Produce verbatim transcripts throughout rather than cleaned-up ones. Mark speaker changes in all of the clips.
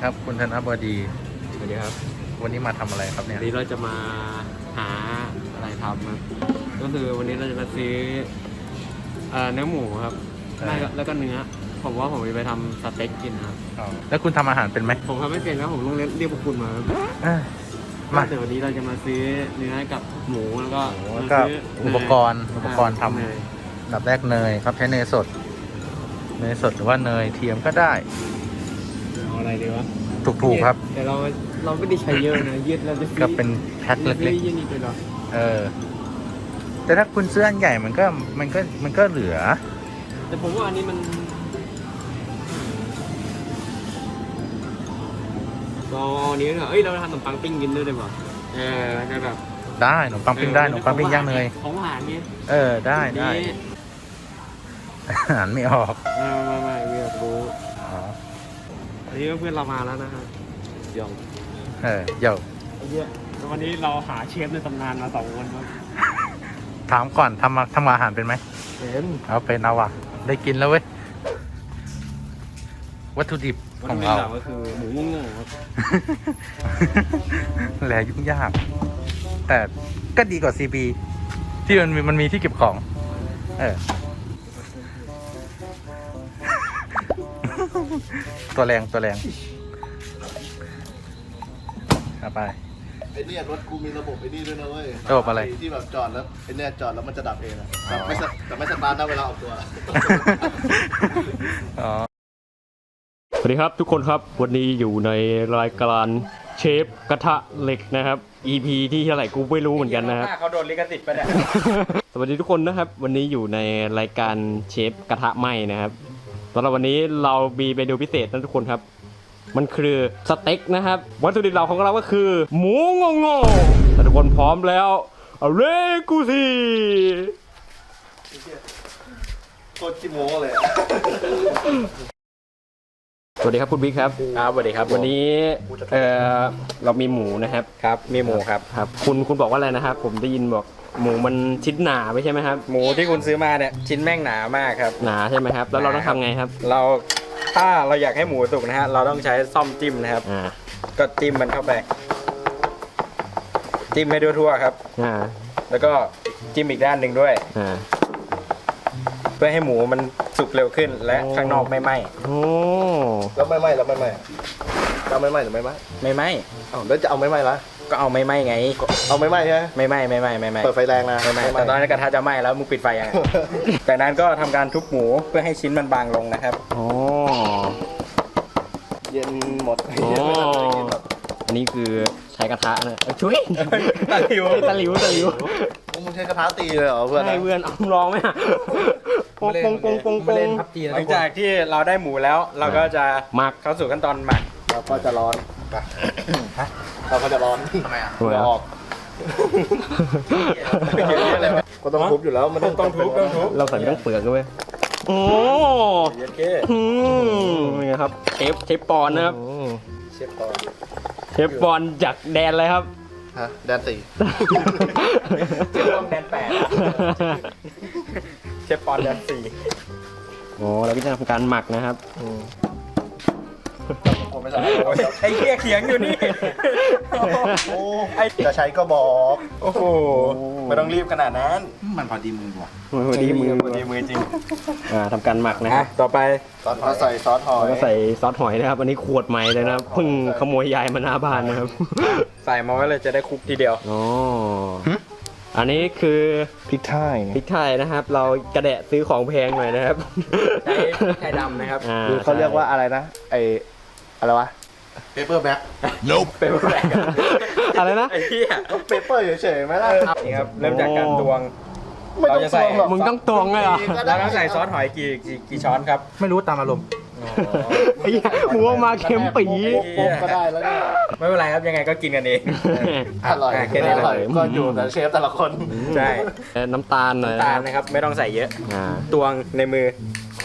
Speaker 1: ครับคุณธนบดี
Speaker 2: สวัสดีครับ
Speaker 1: วันนี้มาทำอะไรครับเนี่
Speaker 2: วั
Speaker 1: ย
Speaker 2: นนี้เราจะมาหาอะไรทำครับก็คือวันนี้เราจะมาซื้อเอ่อเนื้อหมูครับแล้วก็แล้วก็เนื้อผมว่าผมจะไปทำสเต็กกินครับ
Speaker 1: อ๋อแล้วคุณทำอาหารเป็นไหม
Speaker 2: ผมทำไม่เป็นแล้วผมต้องเรียกพวกคุณมาครับ
Speaker 1: เอ้ยมา
Speaker 2: เดี๋ยววันนี้เราจะมาซื้อเนื้อกับหมูแล้วก็
Speaker 1: แล้ว
Speaker 2: มา
Speaker 1: ก็
Speaker 2: ซื้
Speaker 1: อุปกรณ์อุปกรณ์ท
Speaker 2: เนย
Speaker 1: ำดับแรกเนยครับใช้เนยสด เนยสดหรือว่าเนยเทียมก็ได้
Speaker 2: เอาอะไรดีวะ
Speaker 1: ถูกๆครับ
Speaker 2: แต่เราเราไม่ได้ใช้เยอะนะยืดเราจะซื้อ
Speaker 1: ก็เป็นแพ็ค
Speaker 2: เรา
Speaker 1: เล็ก
Speaker 2: ซื้อยี่นี่ไปหรอ
Speaker 1: ๆเออ แต่ถ้าคุณซื้ออันใหญ่มันก็มันก็มันก็เหลือ
Speaker 2: แต่ผมว่าอันนี้มันก็อันนี้เหรอเอ้ยเราทำขนมปังปิ้งกินด้วยได้ป่ะเออจะแบบ
Speaker 1: ได้ขนมปังปิ้งได้ขนมปังปิ้งย่างเนย
Speaker 2: ของหวานไง
Speaker 1: เออได้ได้
Speaker 2: นี่
Speaker 1: อ่านไม่ออก
Speaker 2: ไม่ไม่ไม่ไม่อยากรู้
Speaker 1: อ๋อ
Speaker 2: อันนี้ก็เพื่อนเรามาแล้วนะฮะยอง
Speaker 1: เออเดี๋ยว
Speaker 2: ไอ้เหี้ยแล้ววันนี้เราหาเชฟในตำนานมาสองคนครับ
Speaker 1: ถามก่อนทำมาทำอาหารเป็นไหม
Speaker 2: เป็น
Speaker 1: เอาเป็นเอาว่ะได้กินแล้วเว้ยวัตถุดิบ
Speaker 2: วัต
Speaker 1: ขอ
Speaker 2: ถุ
Speaker 1: ง
Speaker 2: ดิบ
Speaker 1: เรา
Speaker 2: หลักก็คือหมูงงๆครับ
Speaker 1: แหลยุ่งยาก แต่ก็ดีกว่า ซี บี ที่มันมีมันมีที่เก็บของ เออ ตัวแรงตัวแรงเอาไป
Speaker 3: ไอ้เนี่ยรถกูมีระบบไอ้นี่ด้วยนะเว้ย
Speaker 1: ระบบอะไร
Speaker 3: ที่แบบจอดแล้วไอ้เนี่ยจอดแล้วมันจะดับเองอะแต่ไม่สแต่ไม่สตาร์ทนะเวลาออกตัว
Speaker 1: อ๋อ
Speaker 2: สวัสดีครับทุกคนครับวันนี้อยู่ในรายการเชฟกระทะเหล็กนะครับ อี พี ที่เท่าไหร่กูไม่รู้เหมือนกันนะครับ
Speaker 1: เขาโดนลิขสิทธิ์ไปเนี่ย
Speaker 2: สวัสดีทุกคนนะครับ วันนี้อยู่ในรายการเชฟกระทะไหม้นะครับสำหรับวันนี้เรามีเมนูพิเศษนะทุกคนครับ มันคือสเต็กนะครับวัตถุดิบเราของเราก็คือ หมูงงๆแต่ทุกคนพร้อมแล้วเอาเลกูซี
Speaker 3: โคตรขี้โม้เลยอะ
Speaker 2: สวัสดีครับคุณบิ๊กครับครับสวัสดีครับวันนี้เออเรามีหมูนะครับครับมีหมูครับครับคุณคุณบอกว่าอะไรนะครับผมได้ยินบอกหมูมันชิ้นหนาไม่ใช่ไหมครับ
Speaker 4: หมูที่คุณซื้อมาเนี่ยชิ้นแม่งหนามากครับ
Speaker 2: หนาใช่ไหมครับแล้วเราต้องทำไงครับ
Speaker 4: เราถ้าเราอยากให้หมูสุกนะฮะเราต้องใช้ซ่อมจิ้มนะครับ
Speaker 2: อ่า
Speaker 4: ก็จิ้มมันเข้าไป จิ้มให้ทั่วๆครับ
Speaker 2: อ่า
Speaker 4: แล้วก็จิ้มอีกด้านหนึ่งด้วย
Speaker 2: อ่า
Speaker 4: เพื่อให้หมูมันสุกเร็วขึ้นและ
Speaker 2: โอ้
Speaker 4: ข้างนอกไม่ไหม้
Speaker 2: โอ้
Speaker 3: แล้วไม่ไหม้แล้วไม่ไหม้จะเอาไม่ไหม้หรือไม่ไหม้
Speaker 4: ไม่ไหม้
Speaker 3: เอ้าแล้วจะเอาไม่ไหม้ละ
Speaker 4: ก็เอาไม่ไหม้ไง
Speaker 3: เอาไม่ไหม้ใช่ไหม
Speaker 4: ไม่ไหม้ไม่ไหม้ไม่ไหม้
Speaker 3: เปิดไฟแรงนะ
Speaker 4: ไม่ไหม้แต่ตอนนั้นกระทะจะไหม้แล้วมึงปิดไฟยัง จากนั้นก็ทำการทุบหมูเพื่อให้ชิ้นมันบางลงนะครับ
Speaker 2: โอ้
Speaker 3: เย็นหมด
Speaker 2: โอ้อันนี้คือใช้กระทะนะเอ้ยช่วย
Speaker 4: ตะหลิว
Speaker 2: ตะหลิวตะหลิว
Speaker 3: มึงใช้กระทะตีเลยเหรอเพื่อน
Speaker 2: ให้เพื่อนเอาลองไหมอะปงปงปงปงปง
Speaker 4: หลังจากที่เราได้หมูแล้ว เราก็จะ
Speaker 2: หมัก
Speaker 4: เข้าสู่ขั้นตอนหมัก
Speaker 3: เราก็จะร้อนเราก็จะร้อนทำไมอ่ะ
Speaker 2: ทำไมอ่ะ
Speaker 3: ออกก็ต้องทุบอยู่แล้วมันต้อง
Speaker 4: ต้องทุบต้องทุบ
Speaker 2: เราใส่ไม่ต้องเปลือกด้วยโอ้
Speaker 4: เย็นเค
Speaker 2: อืมนี่ครับเชฟเชฟปอนนะครับ
Speaker 3: เชฟก่อน
Speaker 2: เชฟปอนจากแดนอะไรครับ
Speaker 3: ฮะแดนสี่
Speaker 4: เชฟปอนแดนแปดเชฟปอนแดนสี่
Speaker 2: โอ้เราก็จะทำการหมักนะครับ
Speaker 3: ผมไม่ใช่
Speaker 4: ไอ้เหี้ยเขียงอยู่นี่
Speaker 3: โอ้จะใช้ก็บอก
Speaker 4: โอ้โหไม่ต้องรีบขนาดนั้น
Speaker 3: มันพอดีมือว่ะ
Speaker 2: โอ้โหดีมือ
Speaker 4: พอดีมือจริง
Speaker 2: อ่าทำการหมักนะค
Speaker 4: อ่ะ
Speaker 2: รับ
Speaker 4: ต่อไป
Speaker 3: ซอสเราใส่ซอสหอย
Speaker 2: แล้วก็ใส่ซอสหอยนะครับ อันนี้ขวดใหม่เลยนะครับเพิ่งขโมยยายมาหน้าบ้านนะครับ
Speaker 4: ใส่มาไว้เลยจะได้คลุกทีเดียว
Speaker 2: อ๋ออันนี้คือ
Speaker 1: พริกไทย
Speaker 2: พริกไทยนะครับ เรากระแดะซื้อของแพงหน่อยนะครับ
Speaker 4: ใช้ไทยดำนะครับ
Speaker 2: อ่
Speaker 3: คือเขาเรียกว่าอะไรนะไออะไรวะเปเปอร์แบ็ค
Speaker 4: เป็นแรก
Speaker 2: อะไรนะ
Speaker 4: ไอ้เหี้ย
Speaker 3: เปเปอร์เฉยๆไหมล่ะ
Speaker 4: นี่ครับเริ่มจากการตวง
Speaker 3: ไม่ต้อง
Speaker 4: เราจะใส่
Speaker 3: ตวงหรอก
Speaker 2: มึงต้องตวงเลยเหรอ
Speaker 4: เราต้องใส่ซอสหอยกี่กี่กี่ช้อนครับ
Speaker 1: ไม่รู้ตามอารมณ์
Speaker 2: ไอ้เหี้ยหัวมาเค็มปี
Speaker 3: โป๊กๆก็ได้แล้วเนี่ย
Speaker 4: ไม่เป็นไรครับยังไงก็กินกันเอง
Speaker 3: อร่อย
Speaker 4: อ่ะแค่นี้
Speaker 3: อร่อย
Speaker 4: เลย
Speaker 3: ก็อยู่แต่เชฟแต่ละคน
Speaker 4: ใช่
Speaker 2: น้ำตาลหน่อย
Speaker 4: ตาลนะครับไม่ต้องใส่เยอะ
Speaker 2: อ่า
Speaker 4: ตวงในมือ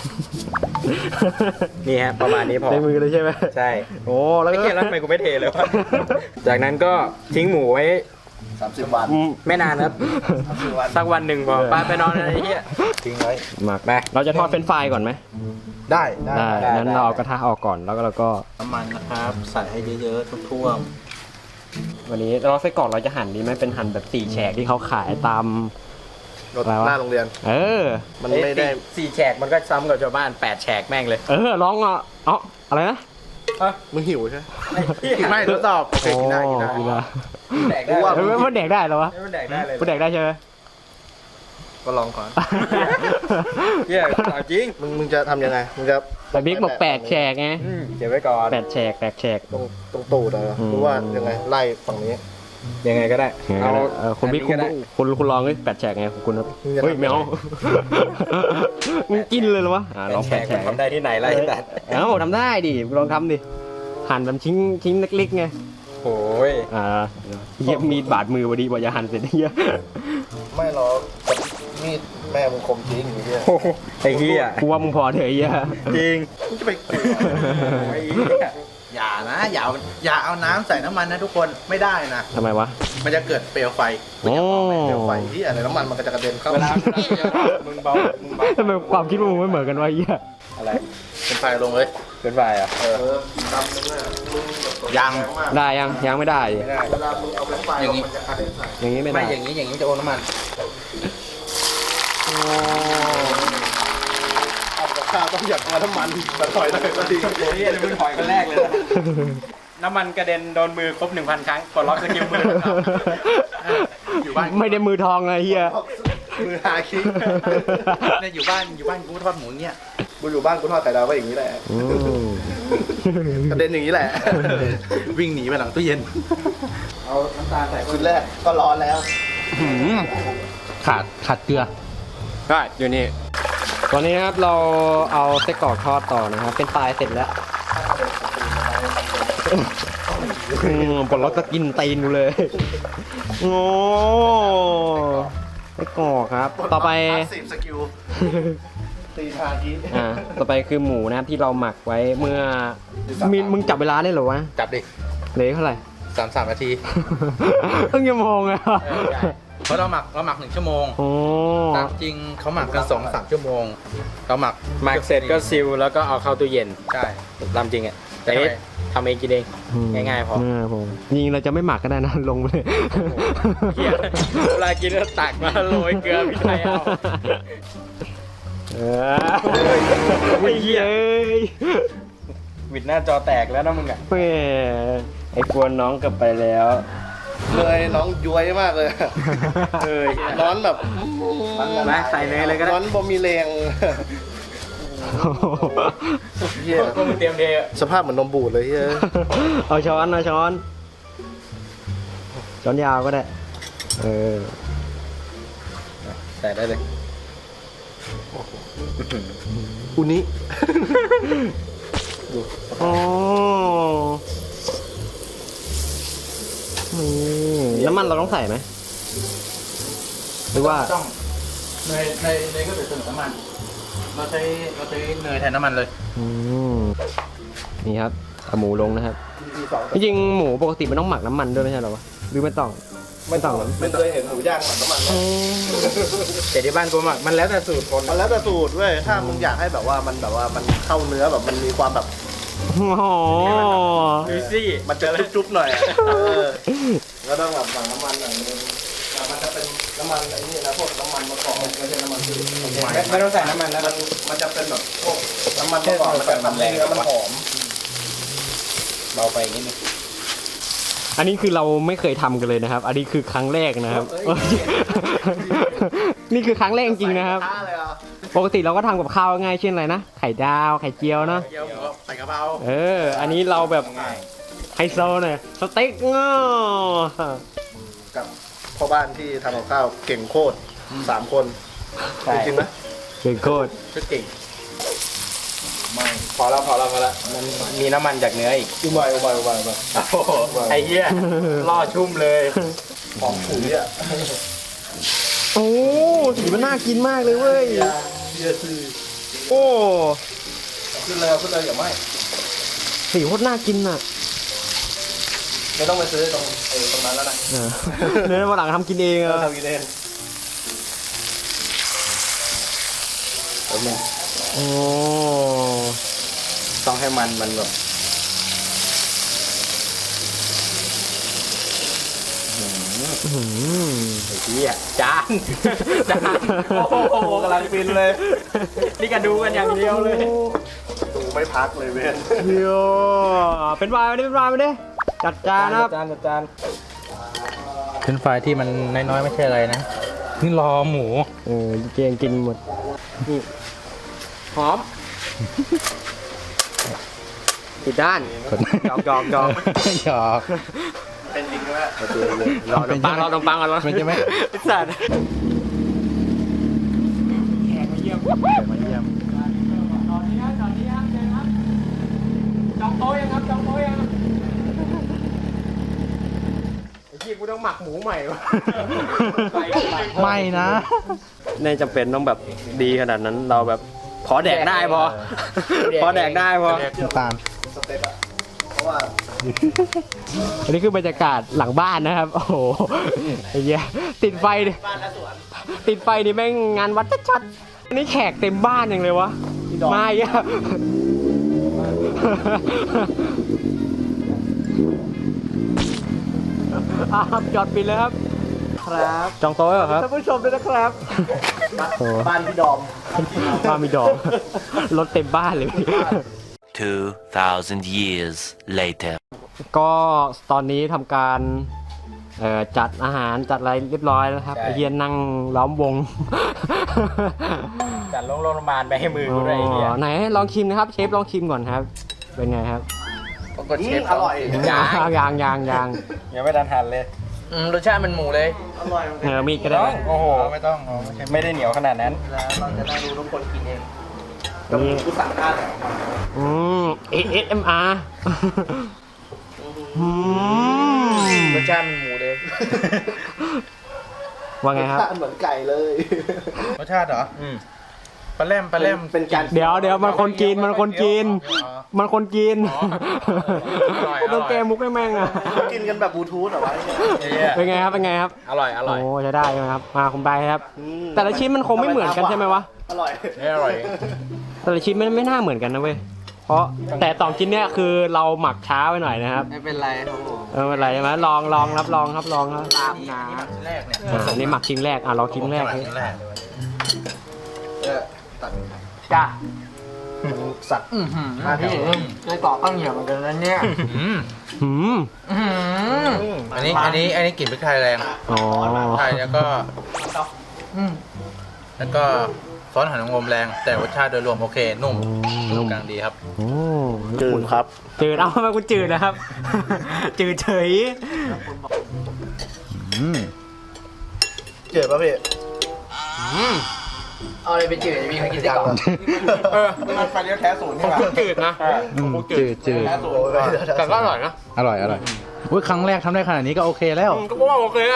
Speaker 4: นี่ฮะประมาณนี้พอ
Speaker 2: ในมือเลยใช่ไหม
Speaker 4: ใช่
Speaker 2: โอ้แล้ว
Speaker 4: ไม่
Speaker 2: ก็
Speaker 4: เกี่ยวแล้วทำไมกูไม่เทเลยวะ จากนั้นก็ทิ้งหมูไว้
Speaker 3: สามสิบวัน
Speaker 2: อืม
Speaker 4: ไม่นานครับ
Speaker 3: สามสิบวัน
Speaker 4: สักวันหนึ่งพอไปไปนอนอะไรเงี้ย
Speaker 3: ทิ้งไว้
Speaker 2: หมักไปเราจะทอดเป็นไฟรายก่อนไหม
Speaker 3: ได้ได้
Speaker 2: ได้งั้นเราเอากระทะออกก่อนแล้วก็เราก็
Speaker 3: น้ำมันนะครับ ใส่ให้เยอะๆทั่ว
Speaker 2: วันนี้เราไส้กรอกเราจะหั่นดีไหมเป็นหั่นแบบสี่แฉกที่เขาขายตาม
Speaker 3: ๆรถ
Speaker 2: อะไรวะ
Speaker 3: หน้าโรงเรียน
Speaker 2: เออ
Speaker 3: มันไม่ได้
Speaker 4: สี่แฉกมันก็ซ้ำกับชาวบ้านแปดแฉกแม่งเลย
Speaker 2: เออลองอ่ะเอ๋ออะไรนะ
Speaker 3: มึงหิวใช่ไหม
Speaker 4: ไม่ทดสอบ
Speaker 3: โอเคกินได้กินได้
Speaker 2: โอ้กินได้
Speaker 4: แดกได้
Speaker 3: ว่า
Speaker 2: เออมันแดกได้เหรอวะ
Speaker 4: มันแดกได้เลย
Speaker 2: มันแดกได้ใช่ไหม
Speaker 3: ก็ลองก่อน
Speaker 4: เฮียเอาจริง
Speaker 3: มึงมึงจะทำยังไง มึงจะ
Speaker 2: แต่บิ๊กบอกแปดแฉกไง
Speaker 4: อืมเก็บไว้ก่อน
Speaker 2: แปดแฉกแปดแฉก
Speaker 3: ตรงตรงตูดเหรอ
Speaker 2: อืม
Speaker 3: หรือว่ายังไงไล่ฝั่งนี้
Speaker 4: ยังไงก็ได้
Speaker 2: เอา
Speaker 4: เอา
Speaker 2: เออคุณบิ๊กคุณ
Speaker 4: อันนี้ก็ได้
Speaker 2: คุณคุณลองเลยแปดแฉกไงคุณครับ
Speaker 3: มึงจะ
Speaker 2: เฮ้ย
Speaker 3: ทำ
Speaker 2: แมวมึงกินเลยเหรอวะอ่ะลอง
Speaker 4: แฉ
Speaker 2: แป
Speaker 4: ก
Speaker 2: ดแฉ
Speaker 4: มัน
Speaker 2: ก
Speaker 4: ทำได้ที่ไหนล่ะไอ้สัตว์
Speaker 2: เอ้าทำได้ดิลองทำดิหั่นแบบชิ้นชิ้นเล็กๆไง
Speaker 4: โอ้ย
Speaker 2: อ่าเยี่ยมีดบาดมือพอดีบอกอย่าหั่นเสร็จเหี้ย
Speaker 3: ไม่หรอกมีดแม่มึงคมจริงอย่างเงี้ย
Speaker 4: โอ้โหไอ้เหี้ย
Speaker 2: กูว่ามึงพอเถอะไอ้เหี้ย
Speaker 4: จริง
Speaker 3: มึงจะไปกลัว
Speaker 4: ไอ้เหี้ย
Speaker 5: อย่านะอย่าเอาอย่าเอาน้ำใส่น้ำมันนะทุกคนไม่ได้นะ
Speaker 2: ทำไมวะ
Speaker 5: มันจะเกิดเปลวไฟ
Speaker 2: โอ้
Speaker 3: เดี๋ยวไฟที่อะไรน้ำมันมันก็จะกระเด็นเข้า
Speaker 4: เวลามึงเบามึงเบา
Speaker 2: ทำไมความคิดมึงไม่เหมือนกันวะไอ้เหี้ย
Speaker 4: อะไร
Speaker 5: เป็นไฟลงเลย
Speaker 4: เป็นไรอ่ะ
Speaker 3: เออดำนึงอ่ะมึงแบบ
Speaker 5: ยัง
Speaker 2: ได้ยังยังไม่ได้
Speaker 4: ไม่ได้
Speaker 3: เวลามึงเอาไปไฟ
Speaker 5: อย่างงี้
Speaker 3: มันจะกระเด็นใส่
Speaker 2: อย่างนี้ไม่
Speaker 5: ไม่
Speaker 2: ได้
Speaker 5: อย่างนี้อย่างนี้จะโอนน้ำมัน
Speaker 3: เอากับข้าวต้องหยัดมาน้ำมันแต่ถอยได้ก็ดี
Speaker 4: โอ้ยมึงถอยคนแรกเลยนะน้ำมันกระเด็นโดนมือครบหนึ่งพันครั้งกดล็อกสกิลมือ
Speaker 5: อยู่บ้าน
Speaker 2: ไม่ได้มือทองไงเฮีย
Speaker 3: มือหาคิง
Speaker 5: เนี่ยอยู่บ้านอยู่บ้านกูทอดหมูเนี่ย
Speaker 3: กูอยู่บ้านกูทอดไข่ดาวก็อย่างนี้แหละกระเด็นอย่างนี้แหละ
Speaker 5: วิ่งหนีไปหลังตู้เย็น
Speaker 3: เอาน้ำตาลใส่ชุดแรกก็ร้อนแล้ว
Speaker 1: ขาดขาดเกลือ
Speaker 2: ก็อยู่นี่ตอนนี้นะครับเราเอาไส้กรอกทอดต่อนะครับเป็นปลายเสร็จแล้วอืมปลดล็อกจะกินตีนกูเลยโอ้ไส้กรอกครับ ต่อไป
Speaker 3: สิบสกิลตีทาที
Speaker 2: อ่าต่อไปคือหมูนะครับที่เราหมักไว้เมื่อมีมึงจับเวลาได้เหรอวะ
Speaker 5: จับดิ
Speaker 2: เหลือเท่าไหร่
Speaker 5: สามสามนาที
Speaker 2: ตั้งยังมองเลย
Speaker 5: เพราะเราหมักเราหมักหนึ่งชั่วโมง
Speaker 2: โอ้
Speaker 5: ตามจริงเขาหมักกันสองสามชั่วโมงเราหมัก
Speaker 4: หมักเสร็จก็ซิลแล้วก็เอาเข้าตู้เย็น
Speaker 5: ใช่
Speaker 4: ตามจริงอ่ะแต่นี่ทำเองกินเอง ง่ายๆพอ
Speaker 2: เผมจริงเราจะไม่หมักก็ได้นะ ลงไปเลย
Speaker 4: เหี้ยเวลากินก็ตักมาโรยเกลือพริกไทยเอา
Speaker 2: เออไอ้เหี้ยเอ้ย
Speaker 4: วิดหน้าจอแตกแล้วนะมึงอ่ะ
Speaker 2: แหมไอ้กวนน้องกลับไปแล้ว
Speaker 3: เลยน้องย้วยมากเลย
Speaker 4: เอ้ย
Speaker 3: ร้อนแบบ
Speaker 4: มาใส่เนยเลยก็ได้
Speaker 3: ร้อนบ่มีแรงเฮีย
Speaker 4: ก็มึงเตรียมเท
Speaker 3: สภาพเหมือนนมบูดเลยเฮีย
Speaker 2: เอาช้อนเอาช้อน ช้อนยาวก็ได้ เออ
Speaker 4: ใส่ได้เลย
Speaker 3: อุนิ
Speaker 2: อ๋อนี่น้ำมันเราต้องใส่ไหมหรือว่า
Speaker 5: ต้องเนยเนยเนยก็เป็นส่วนน้ำมัน เราใช้เราใช้เนยแทนน้ำมันเลย
Speaker 2: อืมนี่ครับเอาหมูลงนะครับ จริงๆหมูปกติมันต้องหมักน้ำมันด้วยไม่ใช่เหรอวะหรือไม่ต้อง ไม่ต้องหรอ
Speaker 3: ไม่เคยเห็นหมูย่างหมักน้ำมันนะ
Speaker 4: แต่ที่บ้านกูหมักมันแล้วแต่สูตรคน
Speaker 3: มันแล้วแต่สูตรเว้ยถ้ามึงอยากให้แบบว่ามันแบบว่ามันเข้าเนื้อแบบมันมีความแบบ
Speaker 2: โอ้โห
Speaker 4: ดูซี่
Speaker 3: มันจะจุ๊บๆหน่อยอะเออก็ต้องแบบหมักน้ำมันหน่อยนึงแต่มันจะเป็นน้ำมันไอ้นี่นะพวกน้ำมันมะกอกไม่ใช่น้ำมันพืช
Speaker 4: ไม่ไม่ต้องใส่น้ำมันแล้ว
Speaker 3: มันมันจะเป็นแบบพวกน้ำมันมะกอกมันจะทำให้เนื้อมันหอม
Speaker 4: เบาไปนิดนึง
Speaker 2: อันนี้คือเราไม่เคยทำกันเลยนะครับ อันนี้คือครั้งแรกนะครับ นี่คือครั้งแรกจริงๆนะครับ
Speaker 3: ท้าเลยอ่ะ
Speaker 2: ปกติเราก็ทำกับข้าวง่ายเช่นอะไรนะ ไข่ดาว ไข่เจียวเนาะ
Speaker 5: เกี๊ยวหมูใส่กระเพรา
Speaker 2: เออ อันนี้เราแบบไฮโซหน่อยสเต็กเงา
Speaker 3: กับพ่อบ้านที่ทำกับข้าวเก่งโคตรสามคน
Speaker 4: ใช่
Speaker 3: จริงๆไหม
Speaker 2: เก่งโคตร
Speaker 5: ชุดเก่ง
Speaker 4: พอแล้วพอแล้วพอแล้วมันมีน้ำมันจากเนื้ออีก
Speaker 3: อุบายอุบายอุบายอุบาย
Speaker 4: โอ้โหไอ้เหี้ยล่อชุ่มเลย
Speaker 3: หอมฉุยอ่ะ
Speaker 2: โอ้สีมันน่ากินมากเลยเว้ย
Speaker 3: เบียร์คือ
Speaker 2: โอ้
Speaker 3: ขึ้นเลยเอาขึ้นเลยอย่าไหม
Speaker 2: สีโคตรน่ากินอ่ะ
Speaker 3: ไม่ต้องไปซื้อตรงไอ้ตรงนั้นแล้วนะ
Speaker 2: เออเนื้อวันหลังทำกินเองเหร
Speaker 3: เรา
Speaker 2: อ
Speaker 3: ทำกินเองแป๊บนึง
Speaker 2: โอ้
Speaker 3: ต้องให้มันมันแบบ
Speaker 2: หืม
Speaker 4: ไอ้เหี้ยจานจาน
Speaker 3: โอ้โหกำลังฟินเลย
Speaker 4: นี่ก็ดูกันอย่างเดียวเลย
Speaker 3: ดูไม่พักเลยเว้ย
Speaker 2: เดี๋ยวเป็นวายมาดิเป็นวายมาดิจัดจานนะครับ
Speaker 3: จานจาน
Speaker 1: เป็นไฟที่มันน้อยๆไม่ใช่อะไรนะ นี่รอหมู
Speaker 2: เออเกงกินหมดนี่หอมผิดด้านจอกจอกจอก
Speaker 1: หยอก
Speaker 3: เป็นจริงไหม
Speaker 2: รอขนมปังรอขนมปังก่อนรอ
Speaker 1: มันจะไม่
Speaker 2: ไอ้สัตว์แขกมาเยี่ยม
Speaker 1: มาเยี่ยม
Speaker 2: ตอนนี้ครับตอนนี้ครับเชิญครับจองโต๊ะยังครับจองโต๊ะยังไอ้ที่กูต้องหมักหมูใหม่วะ
Speaker 1: ไม่นะ
Speaker 2: ในจำเป็นต้องแบบดีขนาดนั้นเราแบบพอแดกได้พอ พอแดกได้พอ
Speaker 1: น้ำตาล
Speaker 3: สเต็ปอะเพราะว่า
Speaker 2: อันนี้คือบรรยากาศหลังบ้านนะครับ โอ้โหไอ้เหี้ยติดไฟดิติดไฟนี่แม่งงานวัดชัดๆอันนี้แขกเต็มบ้านอย่างเลยวะมาอีกอะอ่ะครับจอดปิดเลยครับ
Speaker 3: ครับ
Speaker 2: จองโต๊ะเหรอครับ
Speaker 3: ท่านผู้ชมด้วยนะครับ
Speaker 2: โอ้
Speaker 3: บ้านพี่ดอม
Speaker 2: บ้านมีดอกรถเต็มบ้านเลย
Speaker 6: Two thousand years later.
Speaker 2: ก็ตอนนี้ทำการเอ่อจัดอาหารจัดอะไรเรียบร้อยแล้วครับไอเฮียนั่งล้อมวง
Speaker 4: จัดโรงโรงพยาบาลไปให้มือกูด้วยไอ้เหี้ย
Speaker 2: อ๋อไหนลองชิมนะครับเชฟลองชิมก่อนครับ เป็นไงครับ
Speaker 5: ปรากฏเชฟ
Speaker 3: อร่อย
Speaker 2: ยางยางยางยาง
Speaker 4: ยังไม่ทันหันเลย
Speaker 5: อืมรสชาติมันหมูเลย
Speaker 3: อร่อย
Speaker 2: เออมีดก็ได้ไหม
Speaker 4: โอ้โห
Speaker 5: ไม่ต้องอ๋อไม่ใช่
Speaker 4: ไม่ได้เหนียวขนาดนั้น
Speaker 3: แล้วเราจะนั่งดูทุกคนกินเองแต่
Speaker 2: นี่
Speaker 3: กูสั่งข้าวแต่มา
Speaker 2: อืม เอส เอ็ม อาร์ อืม
Speaker 5: รสชาติมันหมูเลย
Speaker 2: ว่าไงครับ
Speaker 3: เหมือนไก่เลย
Speaker 1: รสชาติเหรอ อืมปลาแรมปลาแรม
Speaker 3: เป็นการ
Speaker 2: เดี๋ยวเดี๋ยวมันคนกินมันคนกิน มันคนกิน
Speaker 5: อร่อย
Speaker 2: โดนเกมมุกให้แม่งอ่ะ
Speaker 3: กินกันแบบบลูทูธเหรอวะเนี่ย
Speaker 2: เป็นไงครับเป็นไงครับ
Speaker 5: อร่อย อร่อย
Speaker 2: โอ้ใช้ได้ใช่ไหมครับ มาคุณไปครับ
Speaker 3: อืม
Speaker 2: แต่ละชิ้นมันคงไม่เหมือนกันใช่ไหมวะ
Speaker 3: อร่อย
Speaker 5: ไม่อร่อย
Speaker 2: แต่ละชิ้นมันไม่น่าเหมือนกันนะเว้ย เพราะแต่สองชิ้นเนี้ยคือเราหมักช้าไปหน่อยนะครับ
Speaker 5: ไม่เป็นไรครับผม
Speaker 2: เออไม่เป็นไรใช่ไหมลองลองรับลองครับลองครับ
Speaker 5: ลาบนาชิ้นแรกเนี่ย
Speaker 2: อ่าอันนี้หมักชิ้นแรกอ่ะลองชิ้นแรก
Speaker 1: ชิ้นแรกเลย
Speaker 3: เออตัด
Speaker 5: จ้า
Speaker 3: สัตว์
Speaker 5: อือหือ
Speaker 3: มาที่
Speaker 5: เคยต่อข้าวเหนียวเหมือนกันนะเนี่ย
Speaker 1: อืม
Speaker 2: หืม
Speaker 5: อื้อหือ
Speaker 1: อันนี้ อันนี้ อันนี้กลิ่นพริกไทยแรง
Speaker 2: อ๋อ
Speaker 1: ไทยแล้วก็
Speaker 5: อืม
Speaker 1: แล้วก็ซอสหอยนางรมแรง แต่รสชาติโดยรวมโอเค นุ่ม นุ่มกลางดีครับ
Speaker 2: โอ้
Speaker 3: จืดครับ
Speaker 2: จืดเอาทำไมกูจืดนะครับ จืดเฉย
Speaker 1: อืม
Speaker 3: เจืดป่ะพี่
Speaker 5: เอาอะไรไปจืดมีใครกินได้ก่อน
Speaker 3: เออมันไฟเลี้ยวแท้ศูนย์ใช่ไหม
Speaker 2: จืดนะ
Speaker 1: อืมจืดจืด
Speaker 3: แท้ศูนย์
Speaker 2: แต่ก็อร่อยนะ
Speaker 1: อร่อย อร่อยอุ้ยครั้งแรกทำได้ขนาดนี้ก็โอเคแล้ว
Speaker 2: ก็ว่าโอเคอะ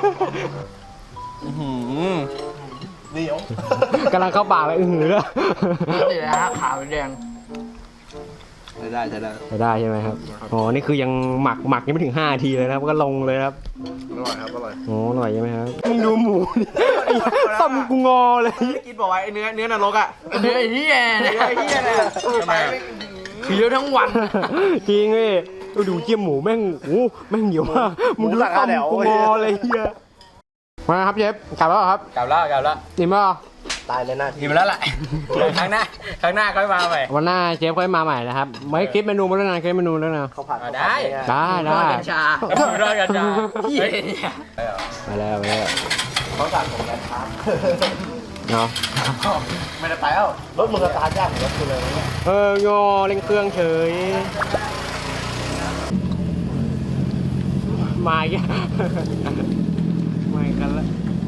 Speaker 3: เหนียว
Speaker 2: กำลังเข้าปากเลยอือหือเลย
Speaker 5: นี่นะฮะขาวแดง
Speaker 3: ใช้ได้ใช้ได้
Speaker 2: ไปได้ใช่ไหมครับ อ๋อ นี่คือยังหมักหมักยังไม่ถึงห้านาทีเลยนะครับ ก็ลงเลยครับ
Speaker 3: อร่อยครับอร่อย
Speaker 2: โอ้อร่อยใช่ไหมครับ มึงดูหมูดิไอ้ต้มกูงอเลย
Speaker 3: กินบอกไว้ไอ้เนื้อเนื้อนรกอ่ะ
Speaker 5: เนื้อไอ้เหี้ยเนี่ย
Speaker 3: ไอ้เหี้ยเนี่ย
Speaker 5: ทำไมเคี้ยวทั้งวัน
Speaker 2: จริงเว้ยดูดูเจียมหมูแม่งโอ้แม่งเหนียวมากมึงดูต้มกูงอเลยเฮียมาครับเชฟกลับแล้วเหรอครับ
Speaker 4: กลับแล้วกลับแล้ว
Speaker 2: อิ่มแล้วเหรอ
Speaker 3: ตายเลยหน้า
Speaker 4: อิ่มแล้วแหละครั้งหน้าครั้งหน้าค่อยมาใหม่
Speaker 2: วันหน้าเชฟค่อยมาใหม่นะครับไม่คลิปเมนูมาแล้วนะคลิปเมนูแล้วนะ
Speaker 3: เขาผัด
Speaker 4: อ่ะได้
Speaker 2: ได้ได้
Speaker 5: กัญชา
Speaker 4: รอดกันจ้า
Speaker 5: เหี้ยเนี่ย
Speaker 2: มาแล้วมาแล้ว
Speaker 3: เขาสั่งผมกันครับ
Speaker 2: เนาะ
Speaker 3: ไม่ได้ไปแล้วรถมึงสตาร์ทยากเหมือนรถกูเลยเนี่ย
Speaker 2: เออยอเร่งเครื่องเฉยมาอีกแล้วมาอีกกันแล้ว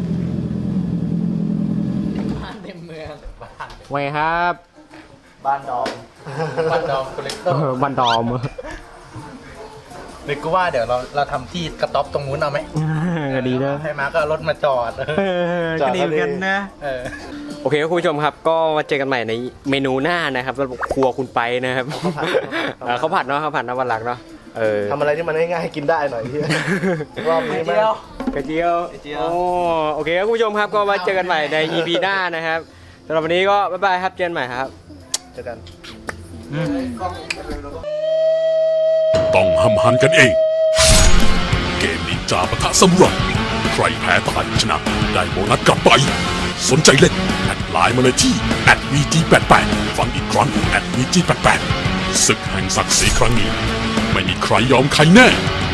Speaker 5: บ้านเต็มเมือง
Speaker 2: ไว้ครับ
Speaker 3: บ้านดอม
Speaker 1: บันดอมคอลเลกเตอ
Speaker 2: เอ
Speaker 1: ร์
Speaker 2: อบันดอม
Speaker 1: เด็กก็ว่าเดี๋ยวเราเราทำที่กระต๊อบตรงนู้นเอาไหม
Speaker 2: ก็ดีนะ
Speaker 1: ให้มาก็เอารถมาจอด
Speaker 2: เออก็ดีเหมือนกันนะ
Speaker 1: เออ
Speaker 2: โอเคครับคุณผู้ชมครับก็มาเจอกันใหม่ในเมนูหน้านะครับสำหรับครัวคุณไปนะครับเออข้าวผัดเนาะข้าวผัดนะวันหลักเนาะเออ
Speaker 3: ทำอะไรที่มันง่ายๆกินได้หน่อยที่ รอบนี้มั้ย
Speaker 2: กระเจียวโอ้โอเคครับคุณผู้ชมครับก็มาเจอกันใหม่ใน อี พี หน้านะครับสำหรับวันนี้ก็บ๊ายบายครับเจอกันใหม่ครับ
Speaker 3: เจอกัน
Speaker 7: ต้องห้ำหันกันเอง เกมนินจาปะทะซามูไรใครแพ้ตายชนะได้โบนัสกลับไป สนใจเล่นแอดไลน์มาเลยที่ แอท วี จี แปดแปด ฟังอีกครั้ง แอท วี จี แปดแปด ศึกแห่งศักดิ์ศรีครั้งนี้ ไม่มีใครยอมใครแน่